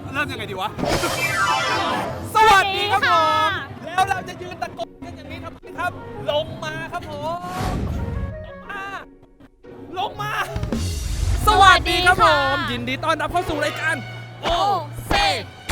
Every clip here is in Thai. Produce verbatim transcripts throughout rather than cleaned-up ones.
เริ่มยังไงดีวะสวัสดีครับผมแล้วเราจะยืนตะโกนกันอย่างนี้ทำไมครับลงมาครับผมลงมาลงมาสวัสดีครับผมยินดีต้อนรับเข้าสู่รายการโอเซไก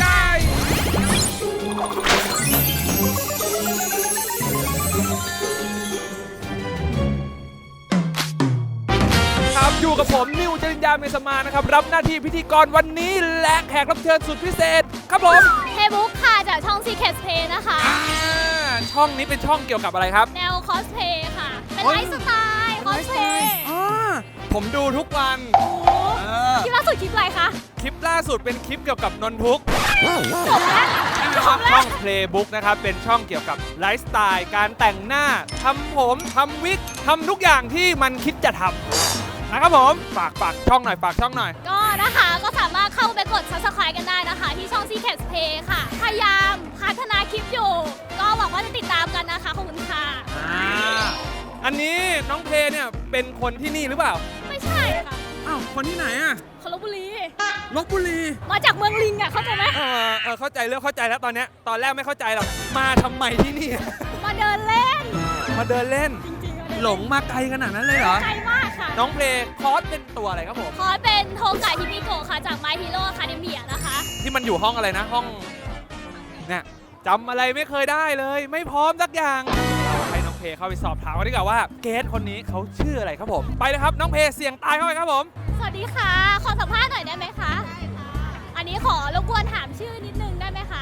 ครับอยู่กับผมนิวจริญญาเมษมานะครับรับหน้าที่พิธีกรวันนี้และแขกรับเชิญสุดพิเศษครับผมเฮบุ๊กค่ะจากช่อง Secret Play นะคะช่องนี้เป็นช่องเกี่ยวกับอะไรครับแนวคอสเพย์ค่ะเป็นไลฟ์สไตล์คอสเพย์ผมดูทุกวันคลิปล่าสุดคลิปอะไรคะคลิปล่าสุดเป็นคลิปเกี่ยวกับนนทุกจบแล้วจบแล้วช่อง Playbook นะครับเป็นช่องเกี่ยวกับไลฟ์สไตล์การแต่งหน้าทำผมทำวิกทำทุกอย่างที่มันคิดจะทำนะครับผมฝากฝากช่องหน่อยฝากช่องหน่อยก็นะคะก็สามารถเข้าไปกด Subscribe กันได้นะคะที่ช่อง Secret Play ค่ะพยายามพัฒนาคลิปอยู่ก็หวังว่าจะติดตามกันนะคะขอบคุณค่ะอันนี้น้องเพลเนี่ยเป็นคนที่นี่หรือเปล่าไม่ใช่ค่ะอ้าวคนที่ไหนอ่ะคนลพบุรีลพบุรีมาจากเมืองลิงอ่ะเข้าใจไหมเออเออเข้าใจเริ่มเข้าใจแล้วตอนเนี้ยตอนแรกไม่เข้าใจหรอกมาทำไมที่นี่มาเดินเล่นมาเดินเล่นหลงมาไกลขนาดนั้นเลยเหรอไกลมากค่ะน้องเพลงคอสเป็นตัวอะไรครับผมคอสเป็นโทกะฮิมิโกะค่ะจาก My Hero Academia นะคะที่มันอยู่ห้องอะไรนะห้องเนี่ยจำอะไรไม่เคยได้เลยไม่พร้อมสักอย่างเราให้น้องเพลเข้าไปสอบถามกันดีกว่าว่าเกสคนนี้เขาชื่ออะไรครับผมไปเลยครับน้องเพลเสียงตายเข้าไปครับผมสวัสดีค่ะขอสัมภาษณ์หน่อยได้ไหมคะอันนี้ขอรบกวนถามชื่อนิดนึงได้ไหมคะ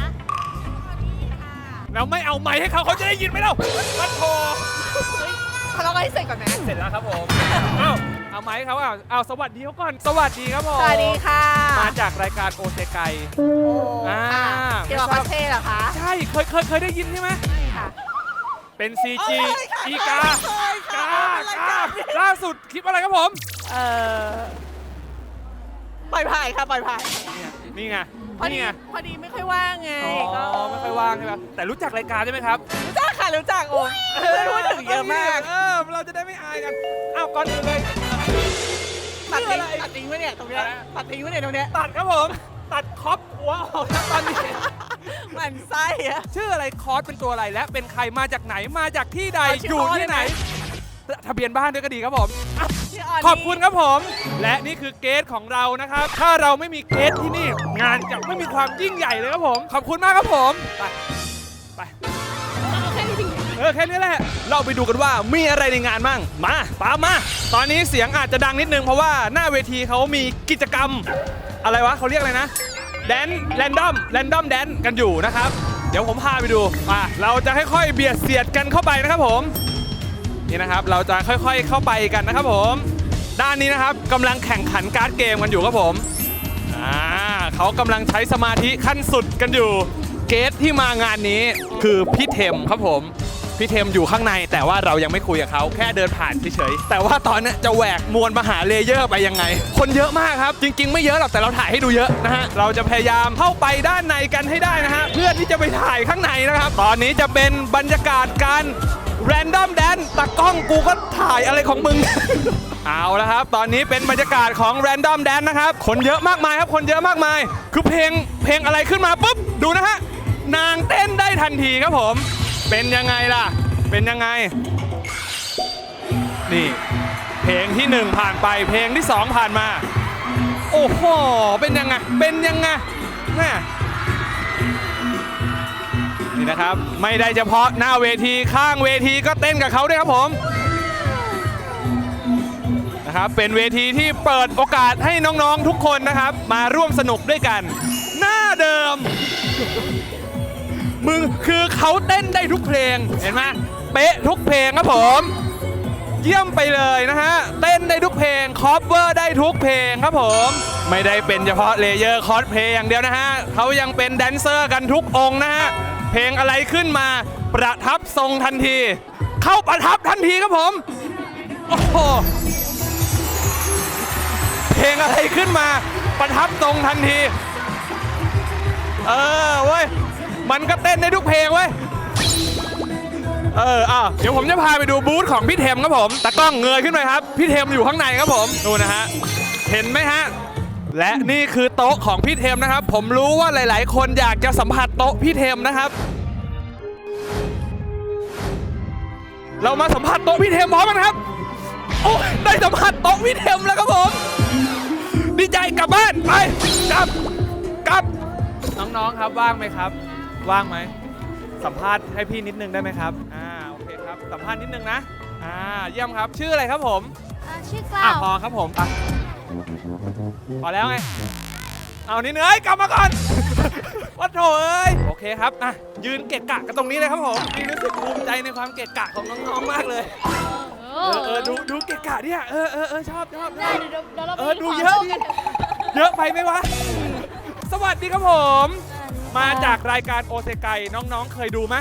แล้วไม่เอาไมค์ให้เขาเขาจะได้ยินไหมเล่ามันโทรเขาเราให้เสร็จก่อนนะเสร็จแล้วครับผมเอาเอาไมค์เขาเอาเอาสวัสดีเขาก่อนสวัสดีครับผมสวัสดีค่ะมาจากรายการโอเซไกอ่าเกี่ยวกับคาเฟ่เหรอคะใช่เคยเคยเคยได้ยินใช่ไหมค่ะเป็น ซี จี อีกากากาล่าสุดคลิปอะไรครับผมเอ่อปล่อยผ่านค่ะปล่อยผ่านนี่ไงพอดีพอดีไม่ค่อยว่างไงอ๋อไม่ค่อยว่างใช่ไหมแต่รู้จักรายการใช่ไหมครับรู้จักค่ะรู้จักโอ้พูดถึงเยอะมากเออเราจะได้ไม่อายกันอ้าวก่อนอื่นเลยตัดทิ้งตัดทิ้งไว้เนี่ยตรงนี้ตัดทิ้งไว้เนี่ยตรงนี้ตัดครับผมตัดคอปหัวออกตอนนี้มันไส้อะชื่ออะไรคอสเป็นตัวอะไรและเป็นใครมาจากไหนมาจากที่ใดอยู่ที่ไหนทะเบียนบ้านด้วยก็ดีครับผมขอบคุณครับผมและนี่คือเกสของเรานะครับถ้าเราไม่มีเกสที่นี่งานจะไม่มีความยิ่งใหญ่เลยครับผมขอบคุณมากครับผมไปไปเออแค่นี้แหละเราไปดูกันว่ามีอะไรในงานมั่งมาปามาตอนนี้เสียงอาจจะดังนิดนึงเพราะว่าหน้าเวทีเขามีกิจกรรมอะไรวะเขาเรียกอะไรนะแดนแรนดอมแรนดอมแดนกันอยู่นะครับเดี๋ยวผมพาไปดูมาเราจะค่อยๆเบียดเสียดกันเข้าไปนะครับผมนี่นะครับเราจะค่อยๆเข้าไปกันนะครับผมด้านนี้นะครับกำลังแข่งขันการ์ดเกมกันอยู่ครับผมอ่าเขากำลังใช้สมาธิขั้นสุดกันอยู่เกสที่มางานนี้คือพี่เทมครับผมพี่เทมอยู่ข้างในแต่ว่าเรายังไม่คุยกับเขาแค่เดินผ่านเฉยๆแต่ว่าตอนนี้จะแหวกมวลมหาเลเยอร์ไปยังไงคนเยอะมากครับจริงๆไม่เยอะหรอกแต่เราถ่ายให้ดูเยอะนะฮะเราจะพยายามเข้าไปด้านในกันให้ได้นะฮะเพื่อที่จะไปถ่ายข้างในนะครับตอนนี้จะเป็นบรรยากาศการแรนดอมแดนตากล้องกูก็ถ่ายอะไรของมึง เอาแล้วครับตอนนี้เป็นบรรยากาศของแรนดอมแดนนะครับคนเยอะมากมายครับคนเยอะมากมายคือเพลงเพลงอะไรขึ้นมาปุ๊บดูนะฮะนางเต้นได้ทันทีครับผมเป็นยังไงล่ะเป็นยังไงนี่เพลงที่หนึ่งผ่านไปเพลงที่สองผ่านมาโอ้โหเป็นยังไงเป็นยังไงแม่นี่นะครับไม่ได้เฉพาะหน้าเวทีข้างเวทีก็เต้นกับเขาด้วยครับผมนะครับเป็นเวทีที่เปิดโอกาสให้น้องๆทุกคนนะครับมาร่วมสนุกด้วยกันหน้าเดิมมึงคือเขาเต้นได้ทุกเพลงเห็นไหมเป๊ะทุกเพลงครับผมเยี่ยมไปเลยนะฮะเต้นได้ทุกเพลงคอฟเวอร์ได้ทุกเพลงครับผมไม่ได้เป็นเฉพาะเลเยอร์คอสเพลย์อย่างเดียวนะฮะเขายังเป็นแดนเซอร์กันทุกองค์นะฮะเพลงอะไรขึ้นมาประทับทรงทันทีเข้าประทับทันทีครับผมโอ้โหเพลงอะไรขึ้นมาประทับทรงทันทีเออเว้ยมันก็เต้นได้ทุกเพลงเว้ยเอออ่ะเดี๋ยวผมจะพาไปดูบูธของพี่เทมครับผมตากล้องเงยขึ้นไปครับพี่เทมอยู่ข้างในครับผมดูนะฮะเห็นไหมฮะและนี่คือโต๊ะของพี่เทมนะครับ ผมรู้ว่าหลาย ๆ คนอยากจะสัมผัสโต๊ะพี่เทมนะครับ เรามาสัมผัสโต๊ะพี่เทมพร้อมกันครับ โอ้ยได้สัมผัสโต๊ะพี่เทมแล้วครับผม ดีใจกลับบ้านไปกลับกลับน้องๆครับว่างไหมครับ ว่างไหมสัมภาษณ์ให้พี่นิดนึงได้ไหมครับอ่าโอเคครับสัมภาษณ์นิดนึงนะอ่าเยี่ยมครับชื่ออะไรครับผมอ่าชื่อกล้าอ่ะวพอครับผมอ่ะพอแล้วไงเอานี่เนื้อยกลับมาก่อน วัดโถเอ้ยโอเคครับอ่ะยืนเกะกะกันตรงนี้เลยครับผมพี่รู้สึกภูมิใจในความเกะกะของน้องๆมากเลยเอเออเออดูดูเกะกะเนี่ยเออเออเออชอบชอบได้เดี๋ยวเดี๋ยวเราไปเออดูเยอะดิเยอะไปไหมวะสวัสดีครับผม มาจากรายการโอเซไกน้องๆเคยดูไหม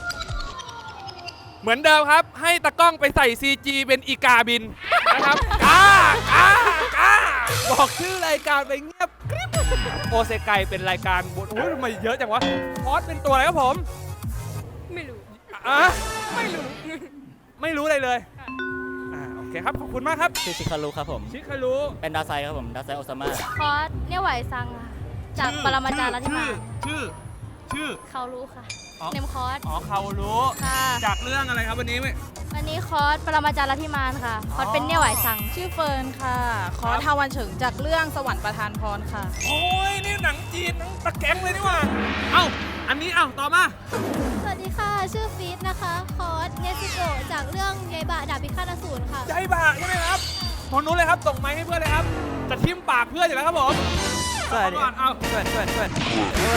เหมือนเดิมครับ ให้ตะกล้องไปใส่ ซี จี เป็นอีกาบินนะครับกากากาบอกชื่อรายการไปเงียบกริบโอเซไกเป็นรายการบทโอ้ยทำไมเยอะจังวะพอสเป็นตัวอะไรครับผมไม่รู้อ่ะไม่รู้ ไม่รู้อะไรเลยอ่าโอเคครับขอบคุณมากครับชื่อชิคารุครับผมชิคารุเป็นดาวไซด์ครับผม ดาวไซด์โอซาม่าคอสเนี่ยไหวซังค่ะจากปรมาจารย์ลัทธิมาชื่อชื่อเขารู้ค่ะอ๋อเนมคอสอ๋อเขารู้ค่ะจากเรื่องอะไรครับวันนี้ไหมวันนี้คอสปรมาจารย์ลัทธิมานค่ะคอสเป็นเนี่ยไหวซังชื่อเฟิร์นค่ะ ขอทาวันเฉิงจากเรื่องสวรรค์ประทานพรค่ะโอ้ยนี่หนังจีนหนังตะแกรงเลยนี่หว่า เอ้า อันนี้เอ้าต่อมาสวัสดีค่ะ ชื่อฟีดนะคะ คอสเนซิโกะจากเรื่องยายบะดาบพิฆาตอสูรค่ะใจบาใช่ไหมครับคนนู้นเลยครับส่งไม้ให้เพื่อนเลยครับ จะทิ่มปากเพื่อนอยู่แล้วครับผมสวัสดีก่อนเอาสวัสดีสวัสดีสวัสดี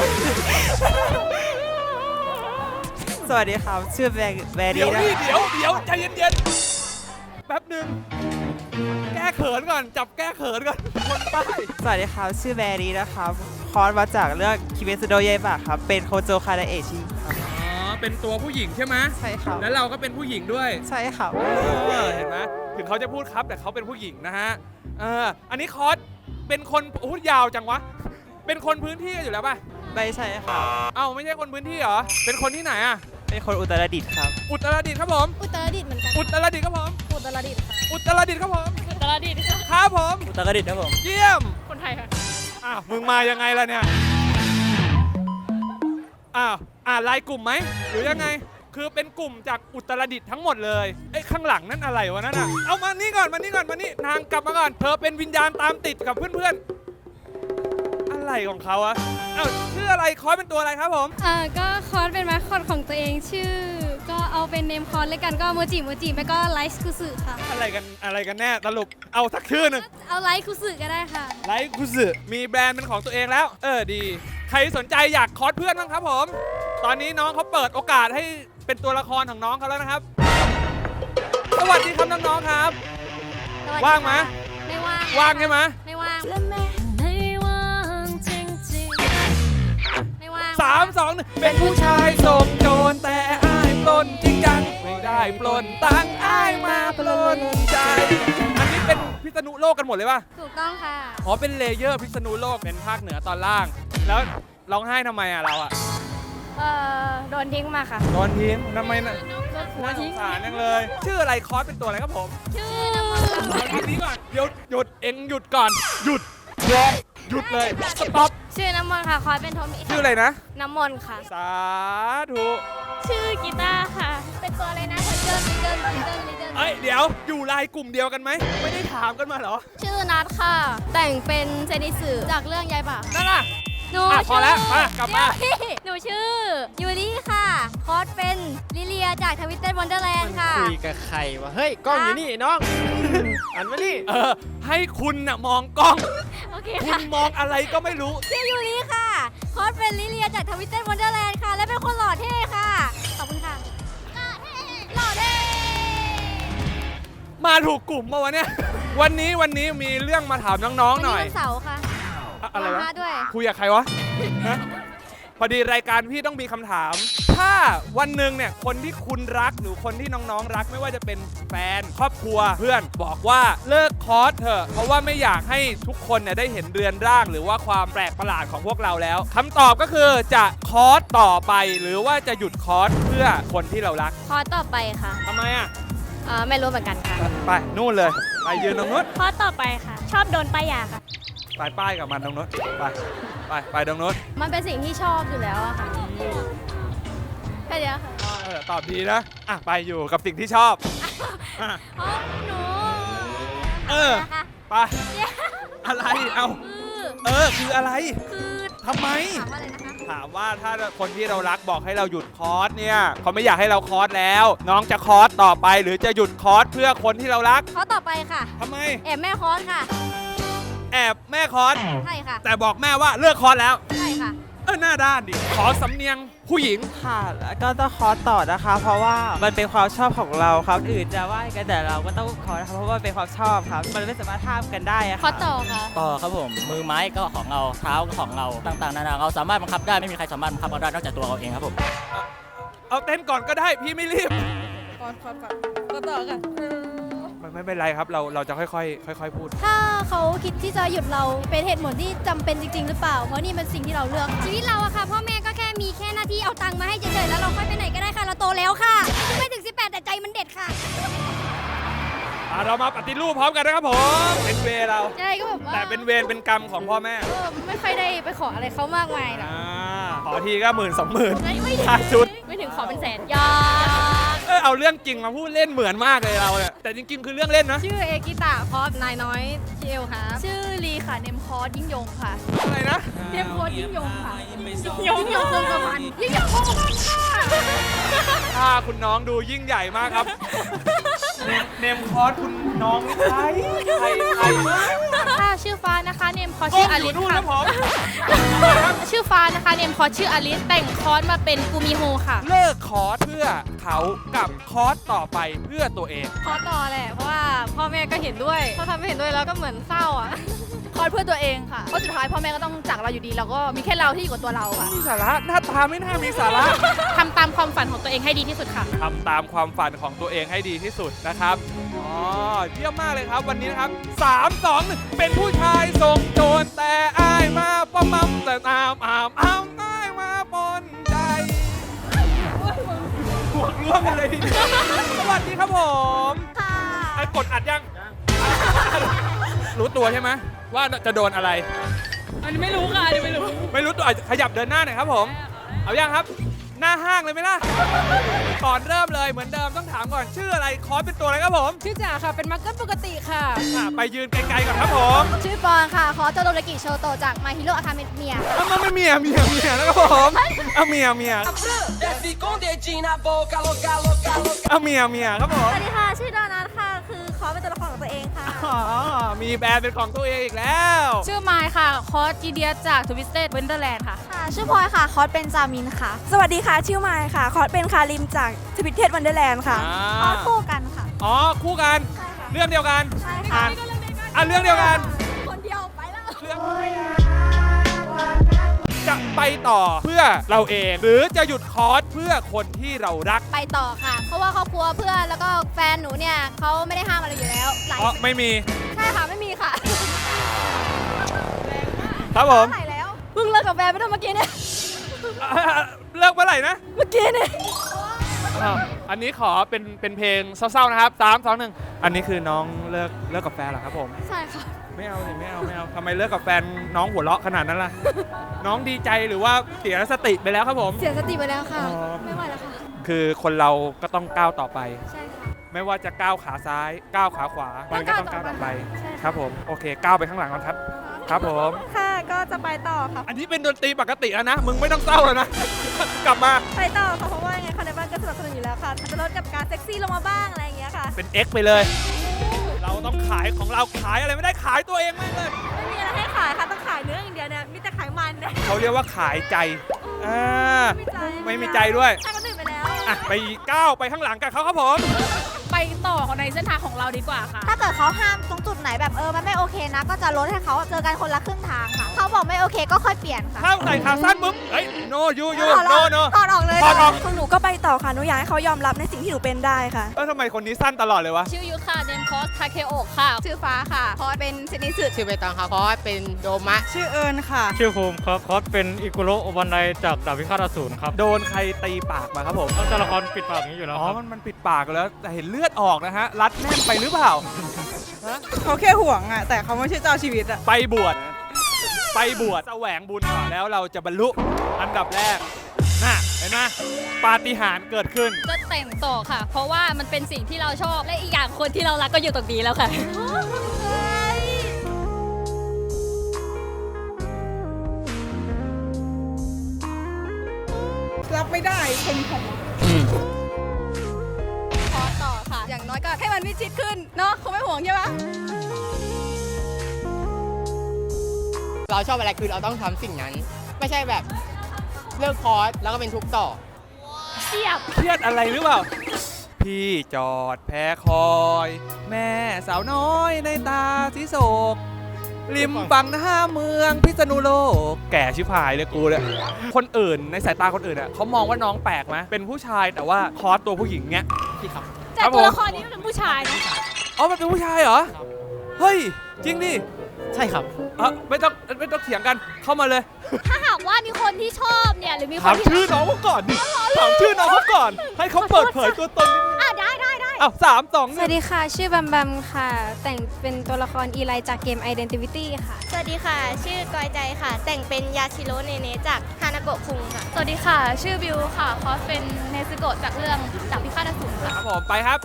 สวัสดีครับ ชื่อแบร์แบเดี๋รี่ยวนะนี่เดี๋ยวเดี๋ยวใจเย็นๆ แป๊บหนึ่งแก้เขินก่อน จับแก้เขินก่อนคนใต้สวัสดีครับ ชื่อแบรี่นะครับ คอร์สมาจากเรื่องคิเมซุโดเยบะครับ เป็นโคโจคาดาเอะชิครับอ๋อ เป็นตัวผู้หญิงใช่ไหมใช่ครับแล้วเราก็เป็นผู้หญิงด้วยใช่ครับเออเห็นไหมถึงเขาจะพูดครับแต่เขาเป็นผู้หญิงนะฮะเอออันนี้คอสเป็นคนพูดยาวจังวะ เป็นคนพื้นที่กันอยู่แล้วป่ะไม่ใช่ครับเอ้าไม่ใช่คนพื้นที่เหรอ เป็นคนที่ไหนอ่ะเป็นคนอุตรดิตถ์ครับอุตรดิตถ์ครับผมอุตรดิตถ์เหมือนกันอุตรดิตถ์ครับผมอุตรดิตถ์ค่ะอุตรดิตถ์ครับผมอุตรดิตถ์ค่ะครับผมอุตรดิตถ์ครับผมเยี่ยมคนไทยค่ะอ้าวมึงมายังไงล่ะเนี่ยอ้าวอ่าไลน์กลุ่มไหมหรือยังไง คือเป็นกลุ่มจากอุตรดิตถ์ทั้งหมดเลยไอ้ข้างหลังนั่นอะไรวะนั่นอ่ะเอามานี่ก่อนมานี่ก่อนมานี่นางกลับมาก่อนเธอเป็นวิญญาณตามติดกับเพื่อนๆอะไรของเขาอะเอ้าชื่ออะไรคอยเป็นตัวอะไรครับผมอ่าก็คอร์สเป็นมาสคอตของตัวเองชื่อ ก็เอาเป็นเนมคอร์สเลยกันก็โมจิโมจิไม่ก็ไลฟ์คุสึค่ะอะไรกันอะไรกันแน่สรุปเอาสักชื่อหนึ่งเอาไลฟ์คุสึก็ได้ค่ะไลค์คุสึมีแบรนด์เป็นของตัวเองแล้ว เออดี ใครสนใจอยากคอสเพื่อนบ้างครับผม ตอนนี้น้องเขาเปิดโอกาสให้เป็นตัวละครของน้องเขาแล้วนะครับ สวัสดีครับน้องๆครับสวัสดีว่างไหมค่ะไม่ว่างว่างใช่ไหมไม่ว่างไม่ว่างจริงไม่ว่างสามสองหนึ่งเป็นผู้ชายส่งโจรแต่อายปล้นจริงจังไม่ได้ปล้นตังค์อายมาปล้นใจ อันนี้เป็นพิษณุโลกกันหมดเลยป่ะถูกต้องค่ะอ๋อเป็นเลเยอร์พิษณุโลกเป็นภาคเหนือตอนล่าง แล้วร้องไห้ทำไมอ่ะเราอ่ะเอ่อ โดนทิ้งมาค่ะโดนทิ้งทำไมน่ะโดน่าน สทิ้งงสารจังเลย ชื่ออะไรคอสเป็นตัวอะไรครับผมชื่อเอาทีนี้ก่อนเดี๋ยวหยุดเอ็งหยุดก่อน หยุดหยุดหยุดเลยสต็อปชื่อน้ำมนต์ค่ะ คอยเป็นโทมิชื่ออะไรนะน้ำมนต์ค่ะสาธุชื่อกีตาร์ค่ะ เป็นตัวอะไรนะเดินเดินเดินเดินเดินเอ้ยเดี๋ยวอยู่ไลน์กลุ่มเดียวกันไหมไม่ได้ถามกันมาเหรอชื่อนัทค่ะ แต่งเป็นเซนิสึจากเรื่องยายบะนั่นน่ะหนูอ่ะพอแล้วชื่มากลับมาเดี๋ยวหนูชื่อยูริค่ะ คอสเป็นลิเลียจากทวิตเต็ดวันเดอร์แลนด์ค่ะคุยกับใครวะ เฮ้ย กล้องอยู่นี่น้อง อันมานี่เออให้คุณน่ะมองกล้องโอเคคุค่ะณมองอะไรก็ไม่รู้ชื่อยูริค่ะ คอสเป็นลิเลียจากทวิตเต็ดวันเดอร์แลนด์ค่ะ และเป็นคนหล่อเท่ค่ะ ขอบคุณค่ะ หล่อเท่ หล่อเท่มาถูกกลุ่มมาวะเนี่ย วันนี้วันนี้มีเรื่องมาถามน้องๆหน่อยวันเสาร์ค่ะอะอะไรวะมาด้วยคุยกับใครวะฮะพอดีรายการพี่ต้องมีคำถาม ถ้าวันหนึ่งเนี่ยคนที่คุณรักหรือคนที่น้องๆรักไม่ว่าจะเป็นแฟนครอบครัวเพื่อนบอกว่าเลิกคอร์สเถอะเพราะว่าไม่อยากให้ทุกคนเนี่ยได้เห็นเรือนร่าง หรือว่าความแปลกประหลาดของพวกเราแล้วคำตอบก็คือจะคอร์สต่อไป หรือว่าจะหยุดคอร์สเพื่อคนที่เรารักคอสต่อไปค่ะทำไมอ่ะเอ่อ ไม่รู้เหมือนกันค่ะไปนู่นเลยไปยืนตรงนู้นคอสต่อไปค่ะ ชอบโดนป้ายยาค่ะไปป้ายกับมันตรงนู้นไปไปไปตรงนู้นมันเป็นสิ่งที่ชอบอยู่แล้วอะค่ะแค่เดียวค่ะเออตอบดีนะอ่ะไปอยู่กับสิ่งที่ชอบอ่ะอ๋อหนูเออนะคะไปอะไรเอาคือเออคืออะไรคือทำไมถามว่าอะไรนะคะถามว่าถ้าคนที่เรารักบอกให้เราหยุดคอร์สเนี่ยเขาไม่อยากให้เราคอร์สแล้ว น้องจะคอร์สต่อไปหรือจะหยุดคอร์สเพื่อคนที่เรารักข้อต่อไปค่ะทำไมแอบแม่คอนค่ะแอบแม่คอร์สใช่ค่ะแต่บอกแม่ว่าเลิกคอร์สแล้วใช่ค่ะเออหน้าด้านดิขอสำเนียงผู้หญิงค่ะแล้วก็ต้องคอร์สต่อนะคะ เพราะว่ามันเป็นความชอบของเราครับอื่นจะว่ากันแต่เราก็ต้องคอร์สนะคะเพราะว่ามันเป็นความชอบครับ มันไม่สามารถห้ามกันได้อะข้อค่ะต่อค่ะต่อครับผมมือไม้ก็ของเราเท้าก็ของเราต่างๆนานาเราสามารถบังคับได้ไม่มีใครสามารถบังคับเราได้นอกจากตัวเราเองครับผมเอาเต้นก่อนก็ได้พี่ไม่รีบก่อนก่อนก่อนก็ต่อค่ะมันไม่เป็นไรครับเราเราจะค่อยๆค่อย ๆ พูดถ้าเขาคิดที่จะหยุดเราเป็นเหตุผลที่จำเป็นจริง ๆ หรือเปล่า เพราะนี่เป็นสิ่งที่เราเลือก ชีวิตเราอะค่ะพ่อแม่ก็แค่มีแค่หน้าที่เอาตังค์มาให้เฉยๆแล้วเราค่อยไปไหนก็ได้ค่ะ เราโตแล้วค่ะไม่ถึงสิบแปดแต่ใจมันเด็ดค่ะอ่ะเรามาปฏิรูปพร้อมกันนะครับผมเป็นเวรเราใช่ก็แบบว่าแต่เป็นเวรเป็นกรรมของพ่อแม่เออไม่ค่อยได้ไปขออะไรเขามากมายนะอ่าขอทีก็หมื่นสองหมื่นไม่ไม่ถึงค่าชุดไม่ถึงขอเป็นแสนยาเออเอาเรื่องจริงมาพูดเล่นเหมือนมากเลยเราเนี่ยแต่จริงๆคือเรื่องเล่นนะชื่อเอกิตะคอสนายน้อยเจลค่ะชื่อลีค่ะเนมคอร์ยิ่งยงค่ะอะไรนะเนมคอร์ยิ่งยงค่ะยิ่งยงคงกระพันยิ่งยงคงกระพันค่ะถ้าคุณน้องดูยิ่งใหญ่มากครับ เนมเนมคอร์สคุณน้องใครใครใครค่ะชื่อฟ้านะคะเนมคอร์ก้ชื่มอออลิยู่สนู่นค่ะนะผมชื่อฟ้านะคะเนมคอร์ชื่ออลิสแต่งคอร์สมาเป็นกูมิโฮค่ะเลิกคอร์สเพื่อเขากับคอร์สต่อไปเพื่อตัวเองคอร์สต่อแหละ เพราะว่าพ่อแม่ก็เห็นด้วยพอทำไม่เห็นด้วยแล้วก็เหมือนเศร้าอ่ะคอร์สเพื่อตัวเองค่ะเพราะสุดท้ายพ่อแม่ก็ต้องจากเราอยู่ดีเราก็มีแค่เราที่อยู่กับตัวเราค่ะมีสาระหน้าตาไม่น่ามีสาระทำตามความฝันของตัวเองให้ดีที่สุดค่ะทำตามความฝันของตัวเองให้ดีที่สุดนะครับ อ๋อ เยี่ยมมากเลยครับวันนี้นะครับสามสองหนึ่งเป็นผู้ชายทรงโจรแต่อายมาปะมัมแต่ตามอามอามอายมาปนใจบวกร่วมกันเลยทีเดียวสวัสดีครับผมค่ะไอ้กดอัดยัง รู้ตัวใช่ไหมว่าจะโดนอะไรอันนี้ไม่รู้ค่ะอันนี้ไม่รู้ไม่รู้ตัวอ่ะขยับเดินหน้าหน่อยครับผม เอายังครับ หน้าห้างเลยไหมล่ะ ก่อนเริ่มเลยเหมือนเดิมต้องถามก่อนชื่ออะไรคอร์สเป็นตัวอะไรครับผมชื่อจ๋าค่ะ เป็นมักเกิลปกติค่ะอ่ะไปยืนไกลๆก่อนครับผมชื่อปอนค่ะ คอร์สโจโดรากิโชโตจากมาฮิโร่อาคาเมเมียเอามาไม่เมียเมียเมียนะครับผมเอาเมียเมียเอาเมียเมียครับผมสวัสดีค่ะ ชื่อดอนัทค่ะ คือคอร์สเป็นตัวละครของตัวเองค่ะอ๋อมีแบรนด์เป็นของตัวเองอีกแล้วชื่อไมค์ค่ะคอร์สจีเดียจากทวิสเต็ดเวนเดอร์แลนด์ค่ะค่ะ ชื่อพลอยค่ะ คอร์สเป็นจามินค่ะสวัสดีค่ะ ชื่อมายค่ะ คอร์สเป็นคาริมจากทวิตเทสวันเดอร์แลนด์ค่ะคอร์สคู่กันค่ะอ๋อคู่กัน เรื่องเดียวกันใช่อ่าค่ะนอ่ะเรื่องเดียวกันคนเดียวไปแล้วเรื่องจะไปต่อเพื่อเราเอง หรือจะหยุดคอร์สเพื่อคนที่เรารักไปต่อค่ะ เพราะว่าครอบครัวเพื่อนแล้วก็แฟนหนูเนี่ยเขาไม่ได้ห้ามอะไรอยู่แล้ว หลายอ๋อไม่มีใช่ค่ะ ไม่มีค่ะครับผมไหนแล้ว เพิ่งเลิกกับแฟนไปได้เมื่อกี้เนี่ยอ่ะเลิกเมื่อไหร่นะเมื่อกี้เนี่ยอ้าวอันนี้ขอเป็นเป็นเพลงเศร้าๆนะครับสามสองหนึ่งอันนี้คือน้องเลิกเลิกกับแฟนเหรอครับผมใช่ค่ะไม่เอาสิไม่เอาไม่เอาทำไมเลิกกับแฟนน้องหัวเราะขนาดนั้นล่ะ น้องดีใจหรือว่าเสียสติไปแล้วครับผมเสียสติไปแล้วค่ะอ๋อไม่ไหวแล้วค่ะคือคนเราก็ต้องก้าวต่อไปใช่ค่ะไม่ว่าจะก้าวขาซ้ายก้าวขาขวา มันก็ต้องก้าวต่อไปใช่ค่ะครับผมโอเคก้าวไปข้างหลังก่อนครับ ครับผมค่ะ ก็จะไปต่อค่ะอันนี้เป็นดนตรีปกติแล้วนะ มึงไม่ต้องเศร้าแล้วนะ กลับมาไปต่อค่ะ เพราะว่ายังไงคนในบ้านก็สนับสนุนอยู่แล้วค่ะ อาจจะลดกับการเซ็กซี่ลงมาบ้างอะไรอย่างเงี้ยค่ะเป็น X ไปเลย เราต้องขายของเราขายอะไรไม่ได้ขายตัวเองแม่งเลยไม่มีอะไรให้ขายค่ะ ต้องขายเนื้ออย่างเดียวเนี่ย มีแต่ขายมันเนี่ยเขาเรียกว่าขายใจอ่าไม่มีใจไม่มีใจด้วยใช่ก็ตื่นไปแล้วอ่ะไปก้าวไปข้างหลังกันเขาครับผมไปต่อในเส้นทางของเราดีกว่าค่ะถ้าเกิดเขาห้ามตรงจุดไหนแบบเออมันไม่โอเคนะ ก็จะลดให้เขาเจอกันคนละครึ่งทางค่ะ เขาบอกไม่โอเคก็ค่อยเปลี่ยนค่ะถ้าใส่ขาสั้นปุ๊บเฮ้ย no you you ถอดอ no อก no ถอดออกเลยถอดออกของหนูก็ไปต่อค่ะ หนูอยากให้เขายอมรับในสิ่งที่หนูเป็นได้ค่ะเออทำไมคนนี้สั้นตลอดเลยวะชื่อยุทธค่ะเนมคอร์สทาเคโอะค่ะชื่อฟ้าค่ะ คอร์สเป็นเซนิสึชื่อใบตองครับคอร์สเป็นโดมะชื่อเอิญค่ะชื่อภูมิครับคอสเป็นอิกุโระโอบันไดจากดาบพิฆาตอสูรครับโดนใครตีปากมาครับผมต้องตัวละครปิดปากอย่างนี้อยู่แล้วอ๋อครับมันมันปิดปากแล้ว แต่เห็นเลือดออกนะฮะ รัดแน่นไปหรือเปล่าเขาแค่ห่วงอะแต่เขาไม่ใช่เจ้าชีวิตอะไปบวชไปบวชแสวงบุญก่อนแล้วเราจะบรรลุอันดับแรกน่ะเห็นไหมปาฏิหาริย์เกิดขึ้นจะแต่งต่อค่ะ เพราะว่ามันเป็นสิ่งที่เราชอบและอีกอย่างคนที่เรารักก็อยู่ตรงนี้แล้วค่ะรับไม่ได้คนผมขอต่อค่ะ อย่างน้อยก็ให้มันมิดชิดขึ้น เนาะคงไม่ห่วงใช่ปะเราชอบอะไรคือเราต้องทำสิ่งนั้น ไม่ใช่แบบเลิกคอร์สแล้วก็เป็นทุกข์ต่อเสียบเครียดอะไรหรือเปล่า พี่จอดแพ้คอย แม่สาวน้อยในตาสีโศกริมฝั่งหน้าเมืองพิษณุโลก แก่ชิบหายเลยกูเนี่ยคนอื่นในสายตาคนอื่นอ่ะเขามองว่าน้องแปลกไหมเป็นผู้ชายแต่ว่าคอสตัวผู้หญิงเนี้ยพี่ครับแต่ตัวละครนี้มันเป็นผู้ชายนะอ๋อมันเป็นผู้ชายเหรอ เฮ้ย จริงดิใช่ครับเออไม่ต้องไม่ต้องเถียงกันเข้ามาเลยถ้าหากว่ามีคนที่ชอบเนี่ยหรือมีคถาน มที่ชื่อน้องเขาก่อนดิถามชื่อน้องเขาก่อน ให้เขาเปิดเผยตัวตนนิดนึงอ่ะได้ได้ได้อ้าวสามสองหสนึ่วังสดีค่ะ ชื่อบัมบัมค่ะ แต่งเป็นตัวละครอีไลจากเกม Identity ค่ะสวัสดีค่ะ ชื่อกอยใจค่ะ แต่งเป็นยาชิโร่เนเนจากฮานาโกะคุงค่ะสวัสดีค่ะ ชื่อบิวค่ะ คอสเป็นเนซึโกะจากเรื่องดาบพิฆาตอสูรค่ะครับผมไปครับ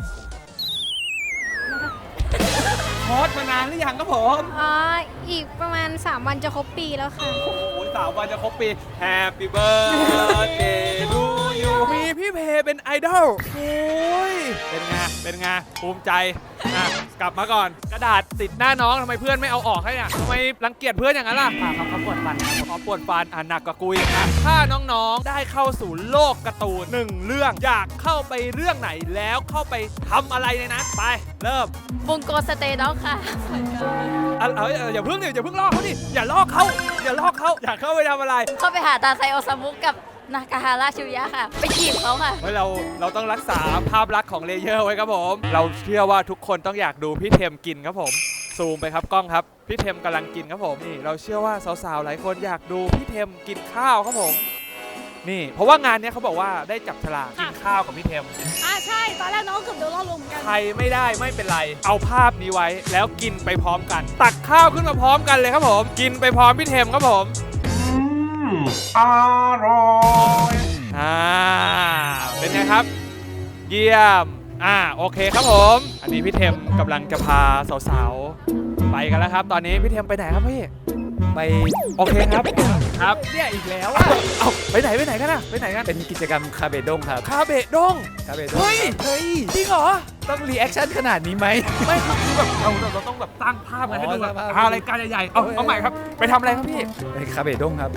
คอร์สมานานหรือยังครับผมอ๋อ อีกประมาณ สาม วันจะครบปีแล้วค่ะโอ้โหสามวันจะครบปี Happy birthday to you มีพี่เพเป็นไอดอลโอ้ยเป็นไงเป็นไงภูมิใจอ่ะกลับมาก่อน กระดาษติดหน้าน้องทำไมเพื่อนไม่เอาออกให้อ่ะทำไมรังเกียจเพื่อนอย่างนั้นล่ะเขาเขาปวดฟันเขาปวดฟันอ่ะหนักกว่ากุยอ่ะถ้าน้องๆได้เข้าสู่โลกการ์ตูนหนึ่งเรื่องอยากเข้าไปเรื่องไหนแล้วเข้าไปทำอะไรในนั้นไปเริ่มบุงโกสเตย์ด็อกค่ะอ่ะเอยอย่าเพิ่งดิอย่าเพิ่งลอกเขาดิอย่าลอกเขาอย่าลอกเขาอยากเข้าไปทำอะไรเข้าไปหาตาไซโอซามุกับนากาฮาราชิวยะค่ะ ไปจีบเขาค่ะเฮ้ยเราเราต้องรักษาภาพลักษณ์ของเลเยอร์ไว้ครับผม เราเชื่อว่าทุกคนต้องอยากดูพี่เทมกินครับผมซูมไปครับกล้องครับพี่เทมกำลังกินครับผมนี่เราเชื่อว่าสาวๆหลายคนอยากดูพี่เทมกินข้าวครับผมนี่เพราะว่างานเนี้ยเขาบอกว่าได้จับฉลากกินข้าวกับพี่เทมอ่ะใช่ ตอนแรกน้องเกือบโดนล่อลวงเหมือนกันใครไม่ได้ไม่เป็นไร เอาภาพนี้ไว้แล้วกินไปพร้อมกัน ตักข้าวขึ้นมาพร้อมกันเลยครับผมกินไปพร้อมพี่เทมครับผมอร่อยอ่าเป็นไงครับ เยี่ยมอ่าโอเคครับผมอันนี้พี่เทมกำลังจะพาสาวๆไปกันแล้วครับ ตอนนี้พี่เทมไปไหนครับพี่ไปโอเคครับครับเนี่ยอีกแล้วอ่ะเอาไปไหนไปไหนกันอะไปไหนกันเป็นกิจกรรมคาเบดงครับคาเบะด้งคาเบดงเฮ้ยเฮ้ยจริงเหรอต้องรีแอคชั่นขนาดนี้ไหมไม่คือแบบเราเราต้องแบบตั้งภาพไงให้ดูแบบอ๋อตั้งภาพอะไรายการใหญ่ๆ เอาเอาใหม่ครับ ไปทำอะไรครับพี่ไปคาเบดงครับ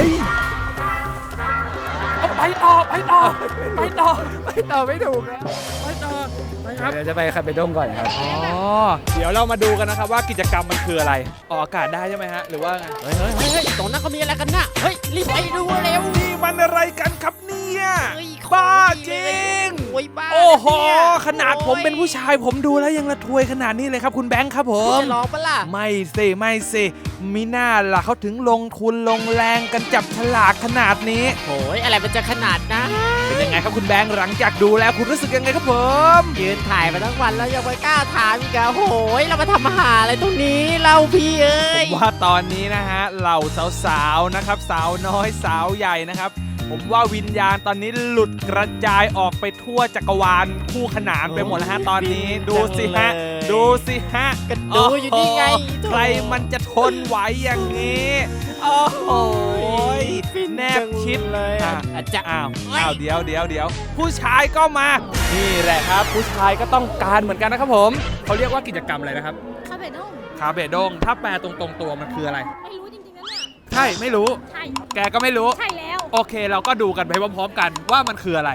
เอาไปต่อ ไปต่อ ไปต่อไปต่อไม่ถูกแล้วไปต่อ ไปครับเดี๋ยวจะไปคาเบดงก่อนครับอ๋อ เดี๋ยวเรามาดูกันนะครับว่ากิจกรรมมันคืออะไร ออกอากาศได้ใช่ไหมฮะ หรือว่าไงเฮ้ยเฮ้ยเฮ้ยตรงนั้นเขามีอะไรกันน่ะ เฮ้ย รีบไปดูเร็วนี่มันอะไรกันครับเนี่ยเฮ้ยบ้าจริงโอ้ยบ้าโอ้โหเนี่ยขนาดผมเป็นผู้ชายผมดูแล้วยังระทวยขนาดนี้เลยครับคุณแบงค์ครับผคุณมจะลองปะล่ะไม่สิไม่สิมิน่าล่ะเขาถึงลงทุนลงแรงกันจับฉลากขนาดนี้โอ้ยอะไรมันจะขนาดนะเป็นยังไงครับคุณแบงค์หลังจากดูแล้วคุณรู้สึกยังไงครับผมยืนถ่ายมาทั้งวันแล้วยังไม่กล้าถามอีกอะโอ้ยเรามาทำอาหารอะไรตรงนี้เราพี่เอ้ผยมว่าตอนนี้นะฮะเหล่าสาวๆนะครับสาวน้อยสาวใหญ่นะครับ ผมว่าวิญญาณตอนนี้หลุดกระจายออกไปทั่วจักรวาลคู่ขนานไปหมดแล้วฮะตอนนี้ดูสิฮะดูสิฮะกันดูอยู่นี่ไงใครมันจะทนไหวอย่างนี้โอ้โหแนบชิดเลยอ่ะอ่ะจะอ้าวอ้าวเดี๋ยวเดี๋ยวเดี๋ยวผู้ชายก็มา นี่แหละครับ ผู้ชายก็ต้องการเหมือนกันนะครับผมเขาเรียกว่ากิจกรรมอะไรนะครับคาเบดงคาเบดงถ้าแปลตรงๆตัวมันคืออะไรไม่รู้จริงๆนะเนี่ยใช่ไม่รู้ใช่แกก็ไม่รู้ใช่แล้วโอเคเราก็ดูกันไปพร้อมๆกันว่ามันคืออะไร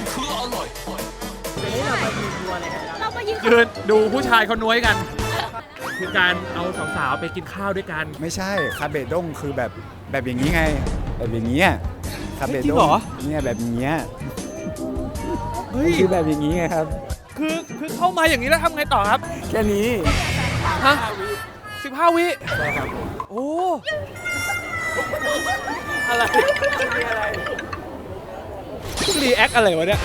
เราไปยืนยืนดูผู้ชายเขาน้วยกัน คือการเอาสาวๆไปกินข้าวด้วยกันไม่ใช่คาเบดงคือแบบแบบอย่างนี้ไง แบบอย่างนี้ยคาเบจริดงงเหรอเนี่ยแบบอย่างเงี้ยเฮ้ยคือแบบอย่างนี้ไงครับคือคือเข้ามาอย่างนี้แล้วทำไงต่อครับแค่นี้ฮะสิบห้าวิโอ้อะไรอะไรรีแอคอะไรวะเนี่ย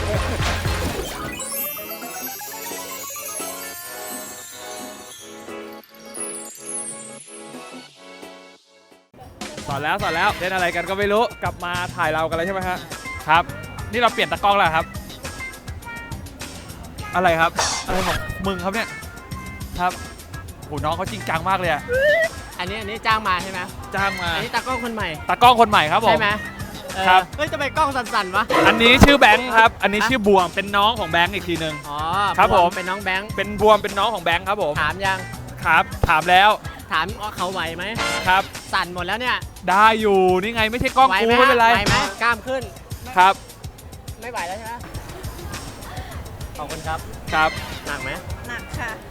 อนแล้วสอนแล้วเล่นอะไรกันก็ไม่รู้กลับมาถ่ายเรากันแล้วใช่ไหมฮะครับ นี่เราเปลี่ยนตากล้องแล้วครับ อะไรครับอะไรของมึงครับเนี่ยครับโหน้องเขาจริงจังมากเลยอะอันนี้อันนี้จ้างมาใช่ไหมจ้างมาอันนี้ตากล้องคนใหม่ตากล้องคนใหม่ครับผมใช่ไหมเออครับเฮ้ยทำไมกล้องสั่นๆวะอันนี้ชื่อแบงค์ครับอันนี้ชื่อบวมเป็นน้องของแบงค์อีกทีนึงอ๋อครับผมเป็นน้องแบงค์เป็นบวมเป็นน้องของแบงค์ครับผมถามยังครับ ถามแล้วถามว่าเขาไหวไหมครับสั่นหมดแล้วเนี่ยได้อยู่นี่ไงไม่ใช่กล้องไหวกูไหมไม่เป็นไรไหวไหมกล้ามขึ้นครับไม่ไหวแล้วใช่ไหมขอบคุณครับครับหนักไหมหนักค่ะ